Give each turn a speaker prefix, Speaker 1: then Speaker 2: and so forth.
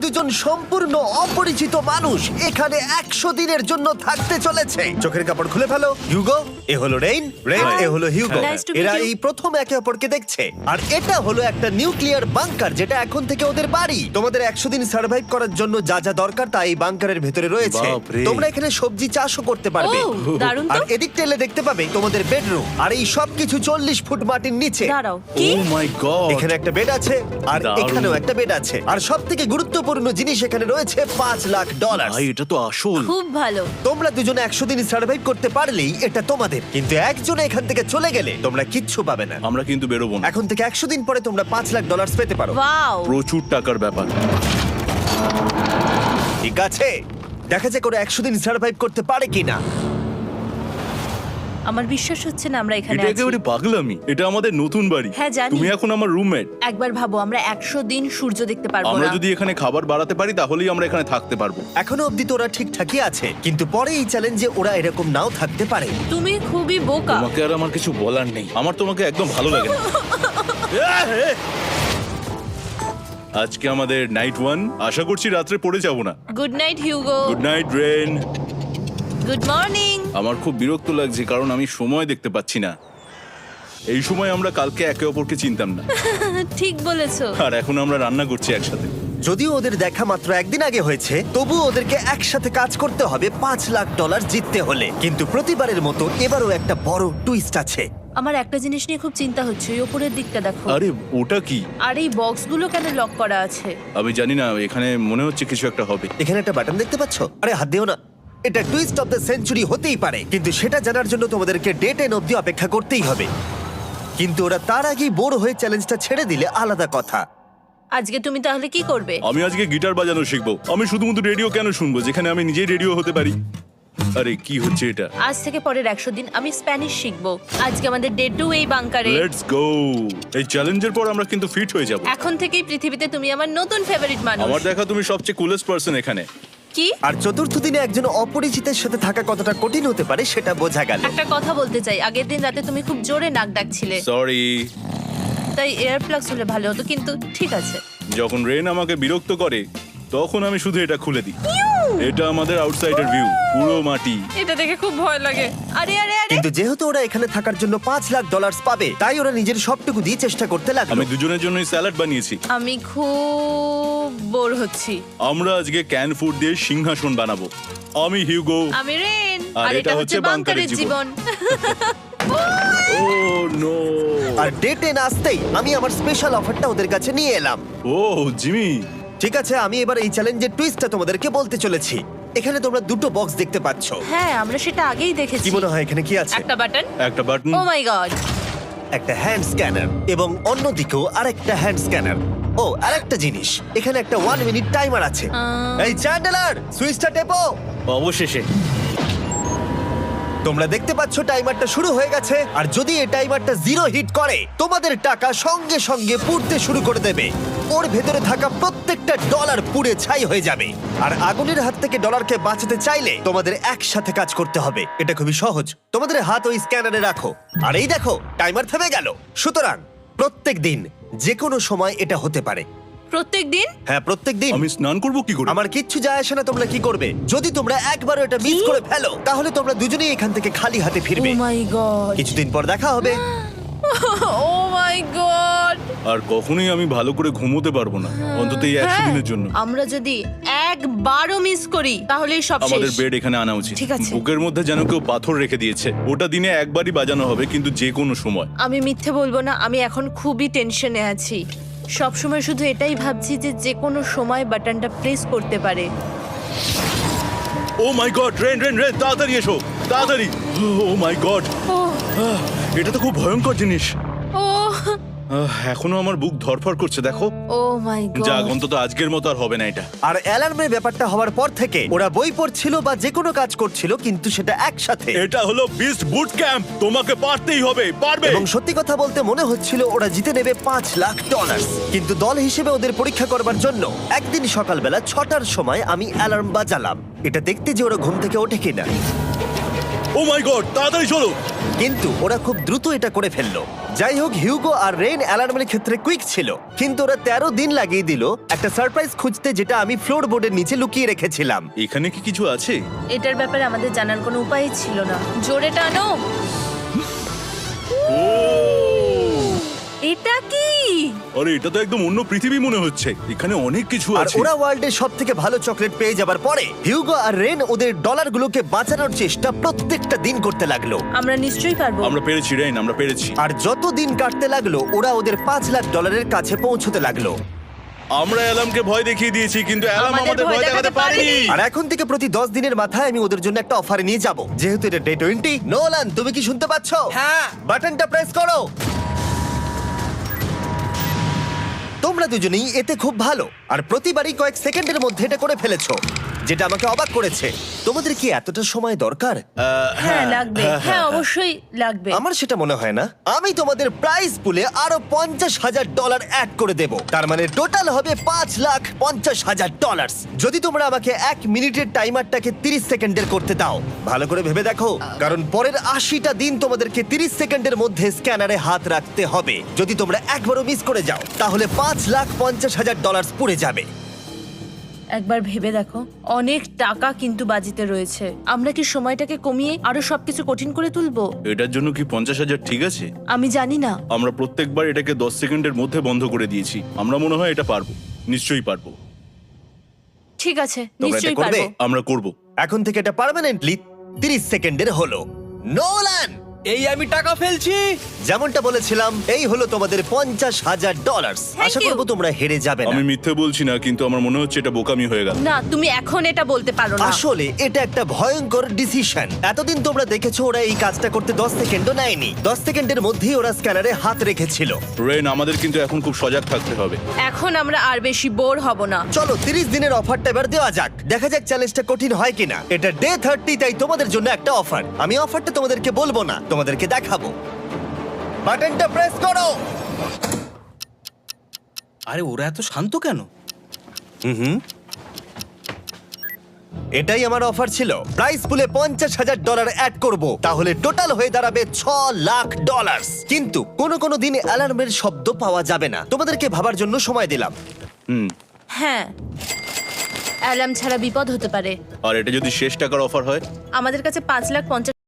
Speaker 1: দুইজন সম্পূর্ণ অপরিচিত মানুষ এখানে 100 দিনের জন্য থাকতে চলেছে। চোখের কাপড় খুলে ফেলো। হিউগো, এ হলো রেইন, এ হলো হিউগো।
Speaker 2: Nice to meet
Speaker 1: এরা
Speaker 2: you.
Speaker 1: এই প্রথম একে অপরকে দেখছে। আর এটা হলো একটা নিউক্লিয়ার বাংকার যেটা এখন থেকে ওদের বাড়ি। তোমাদের 100 দিন সার্ভাইভ করার জন্য যা যা দরকার তা এই বাংকারের ভেতরে রয়েছে।
Speaker 3: বাপরে।
Speaker 1: তোমরা এখানে সবজি চাষও করতে পারবে।
Speaker 2: ও, দারুণ তো।
Speaker 1: আর এদিক টেলে দেখতে পাবে তোমাদের বেডরুম। আর এই সব কিছু 40 ফুট মাটির নিচে।
Speaker 2: দাঁড়াও, কি?
Speaker 3: ও মাই গড,
Speaker 1: এখানে একটা বেড আছে আর
Speaker 3: দারুণ।
Speaker 1: এখানেও একটা বেড আছে। আর সব থেকে গুরুত্বপূর্ণ জিনিস এখানে রয়েছে $5,00,000।
Speaker 3: ভাই এটা তো আসল।
Speaker 2: খুব ভালো।
Speaker 1: তোমরা দুজনে 100 দিন সার্ভাইভ করতে পারলেই এটা তোমাদের, কিন্তু একজন এখান থেকে চলে গেলে তোমরা কিচ্ছু পাবে না।
Speaker 3: আমরা কিন্তু বেরোবো না,
Speaker 1: এখন থেকে 100 দিন পরে তোমরা $5,00,000 পেতে পারো।
Speaker 2: ওয়াও।
Speaker 3: প্রচুর টাকার ব্যাপার।
Speaker 1: ঠিক আছে, দেখা যাক ওরা 100 দিন সার্ভাইভ করতে পারে কিনা।
Speaker 2: আমার বিশ্বাস হচ্ছে না আমরা এখানে
Speaker 3: এটা
Speaker 2: আছি।
Speaker 3: একেবারে পাগলামি। এটা আমাদের নতুন বাড়ি।
Speaker 2: হ্যাঁ, জানি।
Speaker 3: তুমি এখন আমার রুমমেট।
Speaker 2: একবার ভাবো, আমরা 100 দিন সূর্য দেখতে পারবো
Speaker 3: আমরা
Speaker 2: না।
Speaker 3: যদি এখানে খাবার বাড়াতে পারি তাহলেই আমরা এখানে থাকতে পারবো।
Speaker 1: এখনো অব্দি তো ওরা ঠিকঠাকই আছে, কিন্তু পরে এই চ্যালেঞ্জে ওরা এরকম নাও থাকতে পারে।
Speaker 2: তুমি খুবই বোকা।
Speaker 3: তোমাকে আর আমার কিছু বলার নেই। আমার তোমাকে একদম ভালো লাগে না। আজকে আমাদের নাইট 1। আশা করছি রাত্রে পড়ে যাব না।
Speaker 2: Good night Hugo.
Speaker 3: Good night Rain.
Speaker 2: Good morning.
Speaker 3: আমার খুব বিরক্ত লাগছে কারণ আমি সময় দেখতে পাচ্ছি না। এই সময় আমরা কালকে একে অপরকে চিনতাম না,
Speaker 2: ঠিক বলেছো।
Speaker 3: আর এখন আমরা রান্না করছি একসাথে।
Speaker 1: যদিও ওদের দেখা মাত্র একদিন আগে হয়েছে, তবু ওদেরকে একসাথে কাজ করতে হবে $5,00,000 জিততে হলে। কিন্তু প্রতিবারের মতো এবারও একটা বড় টুইস্ট আছে।
Speaker 2: আমার একটা জিনিস নিয়ে খুব চিন্তা হচ্ছে, ওই উপরের দিকটা দেখো।
Speaker 3: আরে ওটা কি?
Speaker 2: আর এই বক্সগুলো কেন লক করা আছে?
Speaker 3: আমি জানি না, এখানে মনে হচ্ছে কিছু একটা হবে।
Speaker 1: এখানে একটা বাটন দেখতে পাচ্ছ? আরে হাত দিও না। এটা টুইস্ট অফ দ্য সেঞ্চুরি হতেই পারে, কিন্তু সেটা জানার জন্য তোমাদেরকে ডে 10 অব্দি অপেক্ষা করতেই হবে। কিন্তু ওরা তার আগেই বোর হয়ে চ্যালেঞ্জটা ছেড়ে দিলে আলাদা কথা।
Speaker 2: আজকে তুমি তাহলে কি করবে?
Speaker 3: আমি আজকে গিটার বাজানো শিখবো। আমি শুধুমাত্র রেডিও কেন শুনবো যেখানে আমি নিজেই রেডিও হতে পারি? আরে কি হচ্ছে এটা?
Speaker 2: আজ থেকে পরের 100 দিন আমি স্প্যানিশ শিখবো। আজকে আমাদের ডে 2 এই বাংকারে।
Speaker 3: Let's go. এই চ্যালেঞ্জের পর আমরা কিন্তু ফিট হয়ে যাব।
Speaker 2: এখন থেকেই পৃথিবীতে তুমি আমার নতুন ফেভারিট মানুষ।
Speaker 3: আমার দেখা তুমি সবচেয়ে কুলেস্ট পারসন এখানে।
Speaker 2: কি?
Speaker 1: আর চতুর্থ দিনে একজন অপরিচিতের সাথে থাকা কতটা কঠিন হতে পারে সেটা বোঝা গেল।
Speaker 2: একটা কথা বলতে চাই, আগের দিন রাতে তুমি খুব জোরে নাক ডাকছিলে,
Speaker 3: সরি।
Speaker 2: তাই এয়ার প্লাগস হলে ভালো হতো, কিন্তু ঠিক আছে।
Speaker 3: যখন রেন আমাকে বিরক্ত করে তখন আমি শুধু এটা খুলে দিই। এটা আমাদের আউটসাইডার ভিউ, পুরো মাটি।
Speaker 2: এটা দেখে খুব ভয় লাগে। আরে আরে আরে,
Speaker 1: কিন্তু যেহেতু ওরা এখানে থাকার জন্য $5,00,000 পাবে, তাই ওরা নিজের সবটুকু দিয়ে চেষ্টা করতে লাগলো।
Speaker 3: আমি দুজনের জন্যই স্যালাড বানিয়েছি।
Speaker 2: আমি খুব বোর হচ্ছি।
Speaker 3: আমরা আজকে ক্যান ফুড দিয়ে সিংহাসন বানাবো। আমি হিউগো।
Speaker 2: আমি রেন,
Speaker 3: আর
Speaker 2: আর এটা হচ্ছে বাংকারের জীবন।
Speaker 3: ও নো।
Speaker 1: আর ডে 10 আসতেই আমি আমার স্পেশাল অফারটা ওদের কাছে নিয়ে এলাম।
Speaker 3: ও জিমি।
Speaker 1: ঠিক আছে, আমি এবার এই চ্যালেঞ্জের টুইস্টটা তোমাদেরকে বলতে চলেছি। এখানে তোমরা দুটো বক্স দেখতে পাচ্ছ।
Speaker 2: হ্যাঁ, আমরা সেটা আগেই দেখেছি।
Speaker 1: কি মনে হয় এখানে কি আছে?
Speaker 2: একটা বাটন।
Speaker 3: একটা বাটন।
Speaker 2: Oh my god.
Speaker 1: একটা হ্যান্ড স্ক্যানার এবং অন্যদিকেও আরেকটা হ্যান্ড স্ক্যানার। ও, আরেকটা জিনিস, এখানে একটা 1 মিনিট টাইমার আছে। এই চ্যান্ডেলার, সুইচটা টেপো।
Speaker 3: অবশেষে।
Speaker 1: তোমরা দেখতে পাচ্ছ টাইমারটা শুরু হয়ে গেছে, আর যদি এই টাইমারটা 0 হিট করে তোমাদের টাকা সঙ্গে সঙ্গে পুড়তে শুরু করে দেবে। ওর ভেতরে থাকা প্রত্যেকটা ডলার পুড়ে ছাই হয়ে যাবে। আর আগুনের হাত থেকে ডলারকে বাঁচাতে চাইলে তোমাদের একসাথে কাজ করতে হবে। এটা খুবই সহজ। তোমাদের হাত ওই স্ক্যানারে রাখো, আর এই দেখো টাইমার থেমে গেল। সুতরাং প্রত্যেক দিন যে কোনো সময় এটা হতে পারে।
Speaker 2: প্রত্যেক দিন?
Speaker 1: হ্যাঁ, প্রত্যেক দিন।
Speaker 3: আমি স্নান করব কি করে?
Speaker 1: আমার কিচ্ছু যায় আসে না তোমরা কি করবে। যদি তোমরা একবারও এটা মিস করে ফেলো তাহলে তোমরা দুজনেই এখান থেকে খালি হাতে
Speaker 2: ও
Speaker 1: ফিরবে।
Speaker 2: My god.
Speaker 1: কিছুদিন পর দেখা হবে।
Speaker 2: ও মাই গড।
Speaker 3: আর কখনোই আমি ভালো করে ঘুমোতে পারবো না, অন্তত এই 100 দিনের জন্য।
Speaker 2: আমরা যদি একবারও মিস করি তাহলে সব
Speaker 3: আমাদের
Speaker 2: শেষ।
Speaker 3: বেড এখানে আনা উচিত।
Speaker 2: ঠিক আছে।
Speaker 3: বুকের মধ্যে যেন কেউ পাথর রেখে দিয়েছে। ওটা দিনে একবারই বাজানো হবে, কিন্তু যে কোনো সময়।
Speaker 2: আমি মিথ্যে বলবো না, আমি এখন খুবই টেনশনে আছি। সব সময় শুধু এটাই ভাবছি যে যে কোনো সময় বাটনটা প্রেস করতে পারে।
Speaker 3: Oh my god, Rain Rain Rain, তাড়াতাড়ি এসো, তাড়াতাড়ি। ও মাই গড,
Speaker 2: ও
Speaker 3: এটা তো খুব ভয়ঙ্কর জিনিস।
Speaker 2: ও
Speaker 3: এখনো আমার বুক ধড়ফড় করছে, দেখো।
Speaker 2: Oh my god.
Speaker 3: যাক, অন্তত আজকের মতো আর হবে না এটা।
Speaker 1: আর অ্যালার্মের ব্যাপারটা হওয়ার পর থেকে ওরা বই পড়ছিল বা যে কোনো কাজ করছিল, কিন্তু সেটা একসাথে।
Speaker 3: এটা হলো বিস্ট বুট ক্যাম্প, তোমাকে পারতেই হবে, পারবে।
Speaker 1: এবং সত্যি কথা বলতে মনে হচ্ছিল ওরা জিতে নেবে $5,00,000। কিন্তু দল হিসেবে ওদের পরীক্ষা করবার জন্য একদিন সকালবেলা 6টার সময় আমি অ্যালার্ম বাজালাম, এটা দেখতে যে ওরা ঘুম থেকে ওঠে কিনা।
Speaker 3: ও মাই গড, তাড়াতাড়ি চলো।
Speaker 1: কিন্তু ওরা খুব দ্রুত এটা করে ফেললো। যাই হোক, হিউগো আর রেন অ্যালার্মের ক্ষেত্রে কুইক ছিল, কিন্তু ওরা 13 দিন লাগিয়ে দিল একটা সারপ্রাইজ খুঁজতে, যেটা আমি ফ্লোর বোর্ডের নিচে লুকিয়ে রেখেছিলাম।
Speaker 3: এখানে কি কিছু আছে?
Speaker 2: এটার ব্যাপারে আমাদের জানার কোনো উপায়ই ছিল না। জোরে টানো। এটা কি?
Speaker 3: আরে এটা তো একদম অন্য পৃথিবী মনে হচ্ছে। এখানে অনেক কিছু
Speaker 1: আর
Speaker 3: আছে।
Speaker 1: ওরা ওয়ার্ল্ডের সব থেকে ভালো চকলেট পেয়ে যাবার পরে হিউগো আর রেন ওদের ডলারগুলোকে বাঁচানোর চেষ্টা প্রত্যেকটা দিন করতে লাগলো।
Speaker 2: আমরা নিশ্চয়ই পারবো।
Speaker 3: আমরা পেরেছি রেইন, আমরা পেরেছি।
Speaker 1: আর যত দিন কাটতে লাগলো, ওরা ওদের $5,00,000 কাছে পৌঁছতে লাগলো।
Speaker 3: আমরা অ্যালামকে ভয় দেখিয়ে দিয়েছি, কিন্তু অ্যালাম
Speaker 2: আমাদের
Speaker 3: আমাদের
Speaker 2: ভয়
Speaker 3: ভয় দেখাতে
Speaker 2: দেখাতে
Speaker 3: পারেনি।
Speaker 2: পারেনি।
Speaker 1: আর এখন থেকে প্রতি 10 দিনের মাথায় আমি ওদের জন্য একটা অফার নিয়ে যাব, যেহেতু এটা ডে 20। নোলান, তুমি কি শুনতে পাচ্ছ?
Speaker 4: হ্যাঁ।
Speaker 1: বাটনটা প্রেস করো। তোমরা দুজনেই এতে খুব ভালো, আর প্রতিবারই কয়েক সেকেন্ডের মধ্যে এটা করে ফেলেছো, যেটা আমাকে অবাক করেছে। তোমাদের কি এতটা সময় দরকার?
Speaker 2: হ্যাঁ লাগবে, হ্যাঁ অবশ্যই লাগবে।
Speaker 1: আমার সেটা মনে হয় না। আমি তোমাদের প্রাইস পুলে আরো $50,000 অ্যাড করে দেব, তার মানে টোটাল হবে $5,50,000। যদি তোমরা আমাকে 1 মিনিটের টাইমারটাকে 30 সেকেন্ডের করতে দাও। ভালো করে ভেবে দেখো, কারণ পরের 80টা দিন তোমাদেরকে 30 সেকেন্ডের মধ্যে স্ক্যানারে হাত রাখতে হবে। যদি তোমরা একবারও মিস করে যাও, তাহলে $5,50,000 পুড়ে যাবে।
Speaker 2: একবার ভেবে দেখো, অনেক টাকা কিন্তু বাজিতে রয়েছে। আমরা কি সময়টাকে কমিয়ে আরো সবকিছু কঠিন করে তুলবো?
Speaker 3: এটার জন্য কি 50,000 ঠিক আছে?
Speaker 2: আমি জানি না।
Speaker 3: আমরা প্রত্যেকবার এটাকে 10 সেকেন্ডের মধ্যে বন্ধ করে দিয়েছি। আমরা মনে হয় এটা পারবো, নিশ্চয়ই পারবো।
Speaker 2: ঠিক আছে,
Speaker 1: এটা
Speaker 2: নিশ্চয়ই
Speaker 1: করবে?
Speaker 2: পারবো।
Speaker 3: আমরা করব।
Speaker 1: এখন থেকে এটা পার্মানেন্টলি 30 সেকেন্ডের হলো। নোলান,
Speaker 4: এই আমি টাকা ফেলছি।
Speaker 1: যেমনটা বলেছিলাম, এই হলো তোমাদের $50,000।
Speaker 2: Thank
Speaker 1: Asha
Speaker 2: you.
Speaker 1: করবো তোমরা হেরে যাবে না।
Speaker 3: আমি মিথ্যে বলছি না, কিন্তু আমার মনে হচ্ছে এটা বোকামি হয়ে গেল।
Speaker 2: না, তুমি এখন এটা বলতে পারো না।
Speaker 1: আসলে এটা একটা ভয়ঙ্কর ডিসিশন। এতদিন তোমরা দেখেছো ওরা এই কাজটা করতে 10 সেকেন্ডও নেয়নি। 10 সেকেন্ডের মধ্যেই ওরা স্ক্যানারে হাত রেখেছিল।
Speaker 3: রেইন, আমাদের কিন্তু এখন খুব সজাগ থাকতে হবে।
Speaker 2: এখন আমরা আর বেশি বোর হব না।
Speaker 1: চলো 30 দিনের অফারটা এবার দেওয়া যাক, দেখা যাক চ্যালেঞ্জটা কঠিন হয় কিনা। এটা ডে 30, তাই তোমাদের জন্য একটা অফার। আমি অফারটা তোমাদেরকে বলবো না, তোমাদেরকে দেখাবো। বাটনটা প্রেস করো।
Speaker 4: আরে ওরা এত শান্ত কেন?
Speaker 1: এটাই আমার অফার ছিল। প্রাইস পুলে $50,000 অ্যাড করব, তাহলে টোটাল হয়ে দাঁড়াবে $6,00,000। কিন্তু কোনো দিন অ্যালার্মের শব্দ পাওয়া যাবে না। তোমাদেরকে ভাবার জন্য সময় দিলাম।
Speaker 2: হ্যাঁ, অ্যালার্ম ছাড়া বিপদ হতে পারে।
Speaker 3: আর এটা যদি শেষ টাকার অফার হয়?
Speaker 2: আমাদের কাছে 5,50,000